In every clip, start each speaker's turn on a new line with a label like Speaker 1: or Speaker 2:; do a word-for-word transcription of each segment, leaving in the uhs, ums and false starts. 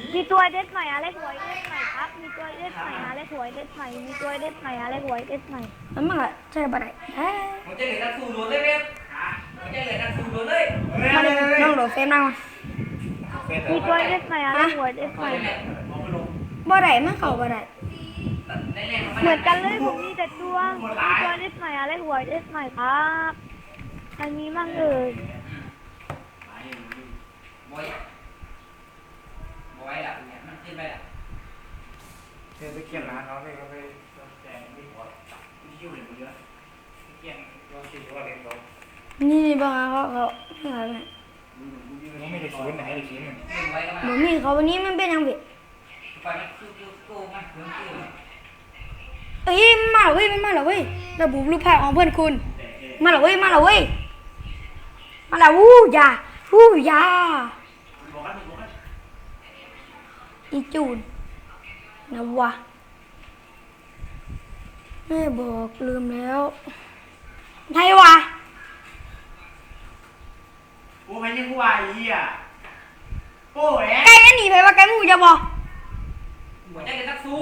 Speaker 1: มีตัวเด็ดใหม่อะไรหวยเด็ดใหม่ครับมีตัวเด็ดใหม่อะไรหวยเด็ดใหม่มีตัวเด็ดใหม่อะไรหวยเด็ดใหม่
Speaker 2: มันมาใช่ปะไหน
Speaker 3: มันจะเหลือนักสู้โดนเลยเว้ยมันจะเหลือนักสู้โดนเลย
Speaker 2: มาเลยน้องโดดเฟซนั่งมา
Speaker 1: มีตัวเด็ดใหม่อะไรหวยเด็ดใหม่
Speaker 2: บ่ได้มันเข้าบ่ได้
Speaker 1: เหมือนกันเลยผมมีแต่ตัวมีตัวเด็ดใหม่อะไรหวยเด็ดใหม่ครับมันมีมั่งเอ่ย
Speaker 3: บอยบอยอ่ะเนี่ยมันขึ้นไปอ่ะ
Speaker 4: เธอไปเขียนร้านเขาเลยก็ไปแจกไม่พอที่คิวเห็นเยอะเขียนเราคิดว่าเรียนเขา
Speaker 2: นี่บางเขาเขาอะไรเนี่ย
Speaker 4: ไม่ได้ศูนย์ไหนได้ศูนย์
Speaker 2: เหมือนมีเขาวันนี้มันเป็นยังไงเอ้ยมาเว้ยมันมาแล้วเว้ยระบุรูปภาพของเพื่อนคุณมาแล้วเว้ยมาแล้วเว้ยมาแล้ววู้ยาวู้ยาอีจูนนะวะแม่บอกลืมแล้วไทยวะ
Speaker 4: โอ้ยยังกูว่าอีอ่ะโอ้ย
Speaker 2: ไก่อันนี้ไปว่าไก่มูจะบอก
Speaker 3: มันจะเหลือนักสู้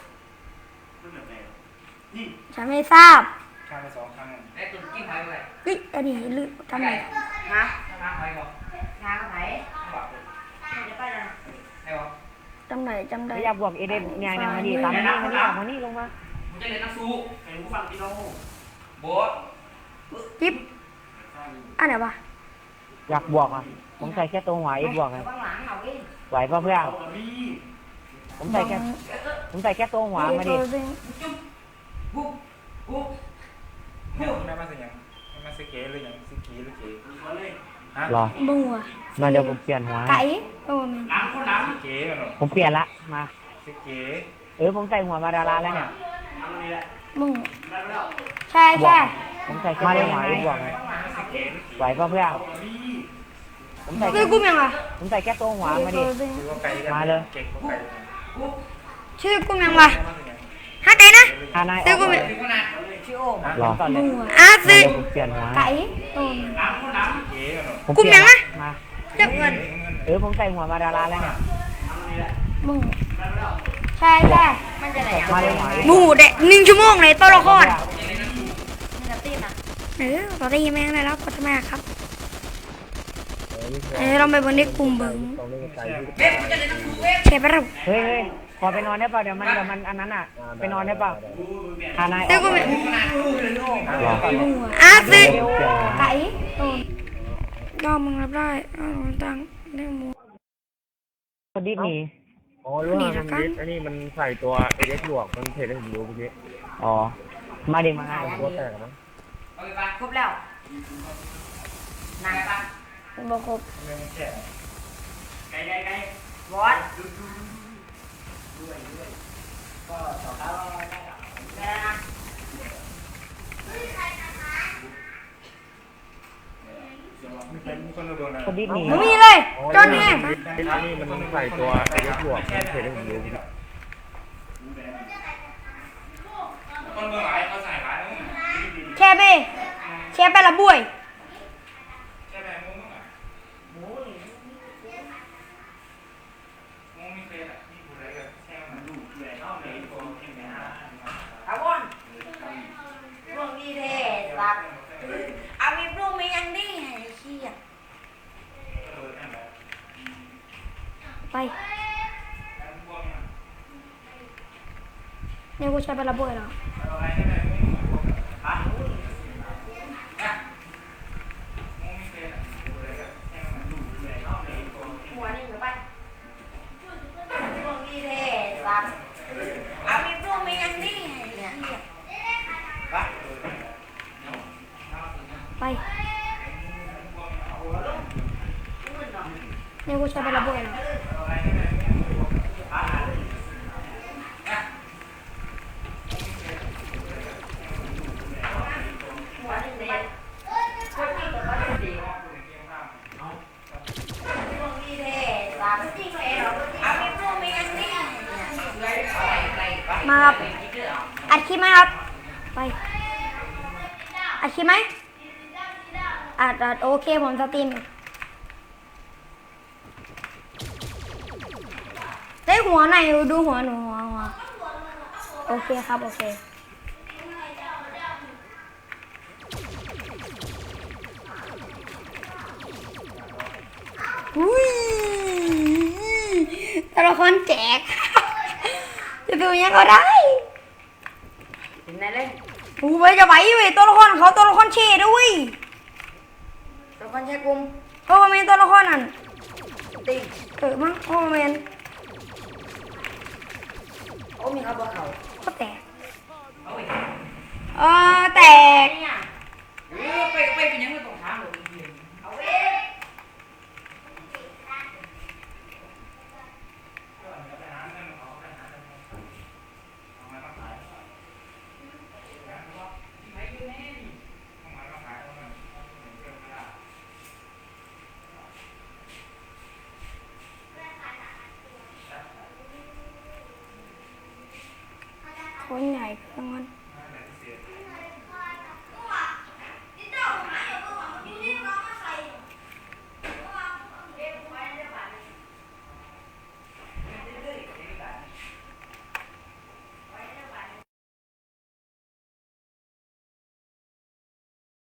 Speaker 2: ฉันไม่ทราบ
Speaker 4: ข้ามไปสองครั้ง
Speaker 3: ไอ้ตุ่นกิ้งหายไปเลย
Speaker 2: เฮ้ยอันนี้ลืมทำไม
Speaker 3: ฮะน้ำหายก่อน
Speaker 5: งานไหนจะไปเลย
Speaker 3: ไอ้บอก
Speaker 2: จำไหนจำได้
Speaker 5: อยากบวกเอเดนเนี่ยเนี่ยมาดีตามมานี่มานี่มานี่ลงมา
Speaker 3: มันจะเหลือนักสู้
Speaker 4: ไอ้ผู้ฟังพี่น้อง
Speaker 3: โบ๊ท
Speaker 2: จิ๊บอันไหนวะ
Speaker 5: อยากบวกอ่ะผมใส่แค่ตัวหัวอีกบวกเลยไหวป่ะเพื่อนผมใส่แค่ผมใส่แค่ตัวหัวมาดิ
Speaker 3: ปุ๊บปุ๊บ
Speaker 4: เนี่ยแม่มาสิยังมาสิเก๋หรือยังสิกีหรือเก๋
Speaker 5: รอ
Speaker 2: บัว
Speaker 5: มาเดี๋ยวผมเปลี่ยนหัว
Speaker 2: ไก่โอ้แม่
Speaker 4: ล้างคนล้างสิเก๋กันหรอ
Speaker 5: ผมเปลี่ยนละมา
Speaker 4: สิเก๋
Speaker 5: เออผมใส่หัวมาดาราแล้วเนี่ย
Speaker 2: บัวใช่ใช่
Speaker 5: ผมใส่แค่ตัวหัวอีกบวกเลยไหวป่ะเพื่อนผมใส่
Speaker 2: ชื่อกุ้งยังอ่ะ
Speaker 5: ผมใส่แค่ตัวหัวมาดิมาเลย
Speaker 2: ชื่อกุ้งยังวะฮะไก่นะชื่อกุ้งยัง
Speaker 5: รอ
Speaker 2: บัวอ่ะสิ
Speaker 5: เปลี่ยนหัว
Speaker 2: ไก่โอ้
Speaker 5: ผม
Speaker 2: กุ้งยังนะ
Speaker 5: มา
Speaker 2: จับเงิน
Speaker 5: เออผมใส่หัวมาดาราแล้วเนี่ย
Speaker 2: บัวใช่ใช่
Speaker 5: มาเลย
Speaker 2: หมูเด็กหนึ่งชั่วโมงเลยตัวละครเออตอนนี้แม่งได้แล้วก็ทำไมครับเออเราไปบนนี้กลุ่มเบิ้งเชฟเรา
Speaker 5: เฮ้ยขอไปนอนได้เปล่าเดี๋ยวมันเดี๋ยวมันอันนั้นอ่ะไปนอนได้เปล่าทานาย
Speaker 2: เดี๋ยวกูอ่ะสิไก่ดอมมึงรับได้อ้าวตังเรื่องมู
Speaker 5: คนดิบหนี
Speaker 6: อ๋อรู้ว่ามันดิบอันนี้มันใส่ตัวเอเด็กหลวกมันเทได้ผมรู้เมื่อกี้
Speaker 5: อ๋อมาเด็กมาง่าย
Speaker 6: ตัวแตกมั้ง
Speaker 5: ครบแล้ว
Speaker 3: นายปะ
Speaker 2: บอกครบ
Speaker 3: ไก่ไก่ไก่บอสด้วยด้วยก็ต่อแล้วได้นะ
Speaker 5: คนดิบหนี
Speaker 2: ไม่มีเลยจนแห้ง
Speaker 6: อันนี้มันใส่ตัวเอเด็กหลวกมันเทได้ผมรู้เมื่อกี้
Speaker 2: แช่ไปแช่ไปละบุย
Speaker 5: เอาวนพวกนี้เท่รักเอามีพวกมียังดีไอ้ขี้อ่ะ
Speaker 2: ไปเนี่ยกูใช้ไปละบุยแล้วไปเนี่ยกูใช้ไปละบุยแล้วมาครับอัดคลิปไหมครับไปอัดคลิปไหมอัดอัดโอเคผมสตรีมได้หัวไหนดูหัวหนูหัวหัวโอเคครับโอเคอุ้ยตัวละครแจก จะดูยังก็ได้
Speaker 3: ถึงไหนเล่น
Speaker 2: โอ้ยจะไหวเว้ยตัวละครเขาตัวละครเชดด้วย
Speaker 3: ตัวคนแช่กลุ่ม
Speaker 2: โอ้แมนตัวละครนั่น
Speaker 3: ติง
Speaker 2: เออมั้งโอ้แมน
Speaker 3: โอ้มีเขาบอกเขา
Speaker 2: ก็แตก
Speaker 3: เอาอีก
Speaker 2: เออแตก
Speaker 3: เนี่ยเออไปไปเป็นยังไงตรงทางเลยเอาเอง
Speaker 2: คนใหญ่เครื่องมัน